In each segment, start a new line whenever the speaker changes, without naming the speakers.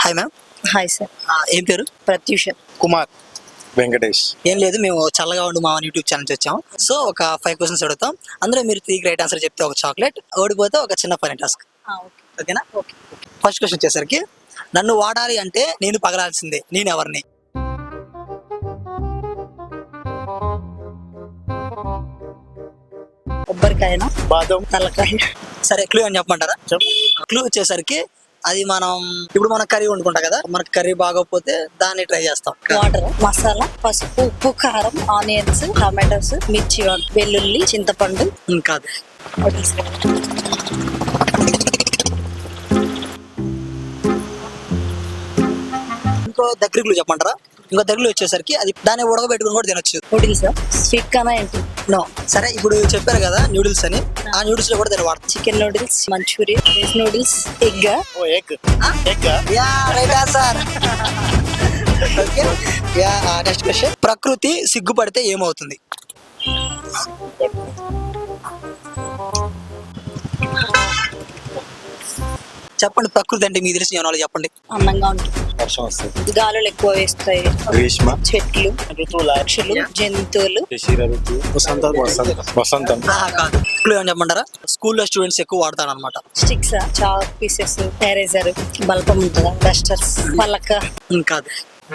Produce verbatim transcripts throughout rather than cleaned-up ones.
Hi ma'am.
Hi sir.
ఏం పేరు?
ప్రత్యూష.
కుమార్. వెంకటేష్.
ఏం లేదు, మేము చల్లగా ఉండు మా యూట్యూబ్ ఛానల్ వచ్చాం. సో ఒక ఫైవ్ క్వశ్చన్స్ అడుగుతాం, అందులో మీరు త్రీ రైట్ ఆన్సర్ చెప్తే ఒక చాక్లెట్, ఓడిపోతే ఒక చిన్న ఫనీ టాస్క్. ఓకేనా? ఓకే. ఫస్ట్ క్వశ్చన్ వచ్చేసరికి, నన్ను వాడాలి అంటే నేను పగలాల్సిందే, నేను ఎవరిని?
కొబ్బరికాయనా?
బాదం.
తలకాయ.
సరే, క్లూ అని చెప్పమంటారా? క్లూ వచ్చేసరికి అది మనం ఇప్పుడు మన కర్రీ వండుకుంటాం కదా, మనకి కర్రీ బాగోకపోతే దాన్ని ట్రై చేస్తాం.
వాటర్, మసాలా, పసుపు, ఉప్పు, కారం, ఆనియన్స్, టమాటోస్, మిర్చి, వెల్లుల్లి, చింతపండు.
ఉమ్, కాదు. ఇంకో దగ్గర క్లూ చెప్పమంటారా? ఇంకో దగ్గరలో వచ్చేసరికి అది దాన్ని ఉడకబెట్టుకుని కూడా తినొచ్చు.
నూడిల్స్. స్వీట్ కానా ఏంటి?
నో. సరే, ఇప్పుడు చెప్పారు కదా న్యూడిల్స్ అని, ఆ న్యూడిల్స్ లో కూడా దాన్ని వాడతాం.
Chicken noodles, Manchurian, veg noodles, egg.
Oh egg. Egg.
Yeah, right answer. Okay. Yeah, next question. ప్రకృతి సిగ్గుపడితే ఏమవుతుంది? చెప్పండి, ప్రకృతి అంటే మీకు తెలిసిన ఏమన్నా చెప్పండి.
అందంగా ఉంటుంది.
వర్షం వస్తుంది.
గాలులు ఎక్కువ వేస్తాయి.
గ్రీష్మ.
చెట్లు,
ఋతువుల.
పక్షులు, జంతువులు.
శిశిర ఋతువు. వసంతం. వసంతం. వసంతం.
ఆహా, కాదు. క్లూ ఏమని చెప్పమంటారా? స్కూల్లో స్టూడెంట్స్ ఎక్కువ వాడతారు అనమాట.
స్టిక్స్, చాక్ పీసెస్, ఎరేజర్, బల్పం ఉంటుందా, డస్టర్స్, పలక.
కాదు.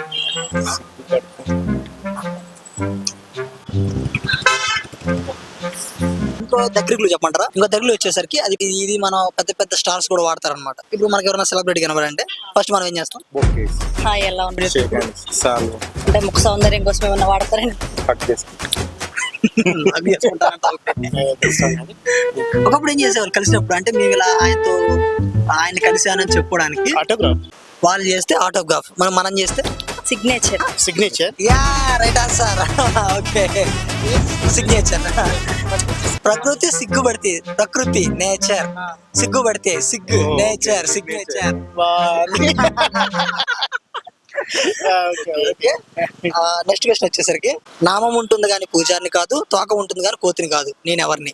ఇంకో దగ్గర క్లూ చెప్పమంటారా? ఇంకో దగ్గరలో వచ్చేసరికి అది ఇది మనం పెద్ద పెద్ద స్టార్స్ కూడా వాడతారు అనమాట. ఇప్పుడు మనకి ఎవరైనా సెలబ్రిటీ కనబడంటే ఫస్ట్ మనం ఏం చేస్తాం?
బొకేస్.
హాయ్, ఎలా ఉంది?
Shake hands. సాల్వ్.
అంటే ముఖ సౌందర్యం కోసం ఏమన్నా వాడతారండి?
హక్ చేసుకుంటాం.
అవి చేసుకుంటారంట. ఒకప్పుడు ఏం చేసేవాళ్ళు కలిసినప్పుడు, అంటే మేము ఇలా ఆయనతో ఆయన కలిసానని చెప్పుకోవడానికి
ఆటోగ్రాఫ్.
వాళ్ళు చేస్తే ఆటోగ్రాఫ్, మనం మనం చేస్తే
signature.
Signature.
Yeah, right answer. Okay, signature. ప్రకృతి సిగ్గుపడితే, ప్రకృతి నేచర్, సిగ్గుపడితే సిగ్గు, నేచర్ సిగ్నేచర్. నెక్స్ట్ క్వశ్చన్ వచ్చేసరికి, నామం ఉంటుంది కానీ పూజారిని కాదు, తోక ఉంటుంది కానీ కోతిని కాదు, నేను ఎవరిని?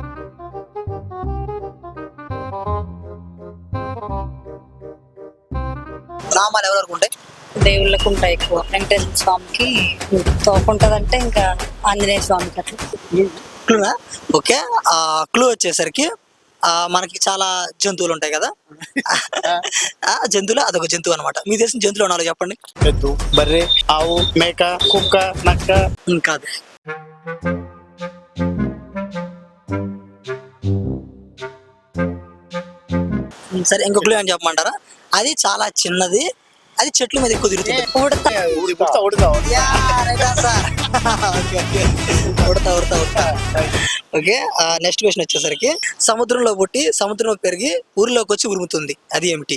నామాలు ఎవరెవరికి ఉంటాయి?
దేవుళ్ళకు ఉంటాయి ఎక్కువ. వెంకటేశ్వర స్వామికి తోకుంటదంటే ఇంకా ఆంజనేయ స్వామికి అట్లా.
క్లూనా? ఓకే. ఆ క్లూ వచ్చేసరికి ఆ మనకి చాలా జంతువులు ఉంటాయి కదా, ఆ జంతువులు అదొక జంతువు అనమాట. మీకు తెలిసిన జంతువులు ఉన్నారో చెప్పండి.
ఎద్దు, బర్రె, ఆవు, మేక, కుక్క, నక్క.
కాదు. సరే, ఇంకో క్లూ అని చెప్పమంటారా? అది చాలా చిన్నది, అది చెట్ల మీద ఎక్కువ తిరుగుతుంది.
ఉడత.
ఉడతా ఉడతా.
ఉడతా ఉడతా ఉడతా. ఓకే. నెక్స్ట్ క్వశ్చన్ వచ్చేసరికి, సముద్రంలో పుట్టి సముద్రంలో పెరిగి ఊరిలోకి వచ్చి ఉరుముతుంది, అది ఏమిటి?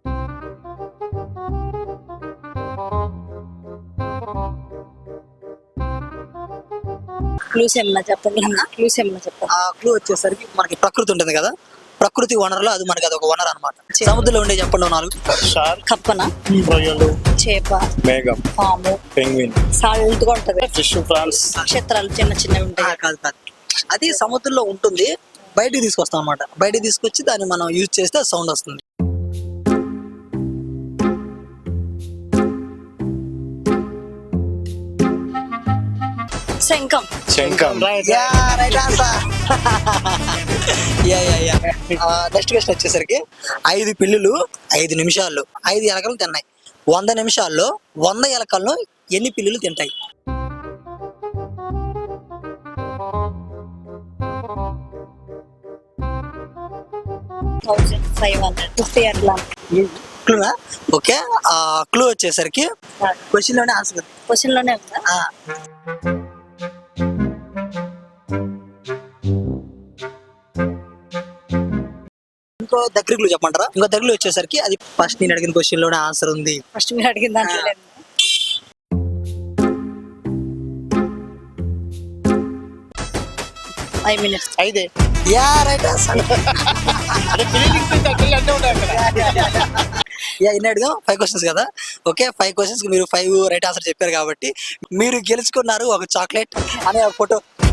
క్లూస్ ఏమన్నా చెప్పండి. క్లూస్ ఏమన్నా చెప్పండి.
ఆ క్లూ వచ్చేసరికి మనకి ప్రకృతి ఉంటుంది కదా, ప్రకృతి వనరులో అది మనకి అదొక వనరు అనమాట. సముద్రంలో ఉండే చెప్పండి నాలుగు.
షార్క్.
కప్పన,
రొయ్యలు,
చేప,
మేఘం,
పాము,
పెంగ్విన్,
సాల్ట్ గా ఉంటది.
Fish, prawns.
నక్షత్రాలు చిన్న చిన్నవి ఉంటాయి.
కాదు కాదు, అది సముద్రంలో ఉంటుంది, బయటికి తీసుకొస్తాం అనమాట. బయటికి తీసుకొచ్చి దాన్ని మనం యూజ్ చేస్తే సౌండ్ వస్తుంది.
శంఖం.
శంఖం.
నెక్స్ట్ క్వశ్చన్ వచ్చేసరికి, ఐదు పిల్లులు ఐదు నిమిషాల్లో ఐదు ఎలకలు తిన్నాయి, వంద నిమిషాల్లో వంద ఎలకలను ఎన్ని పిల్లులు తింటాయి?
థౌసండ్ ఫైవ్ హండ్రెడ్ ఫిఫ్టీ అట్లా.
క్లూనా? ఓకే. ఆ క్లూ వచ్చేసరికి క్వశ్చన్ లోనే ఆన్సర్.
క్వశ్చన్ లోనే ఉందా?
ఇంకో దగ్గర క్లూ చెప్పమంటారా? ఇంకో దగ్గరలో వచ్చేసరికి అది ఫస్ట్ నేను అడిగిన క్వశ్చన్ లోనే ఆన్సర్ ఉంది.
ఫస్ట్ మీరు అడిగిన దాంట్లో లేదు. Five minutes.
ఐదే.
Yeah, right answer. యా, ఇన్ని అడిగాం. ఫైవ్ క్వశ్చన్స్ కదా. ఓకే, ఫైవ్ క్వశ్చన్స్ మీరు ఫైవ్ రైట్ ఆన్సర్ చెప్పారు కాబట్టి మీరు గెలుచుకున్నారు ఒక చాక్లెట్ అనే ఒక ఫోటో.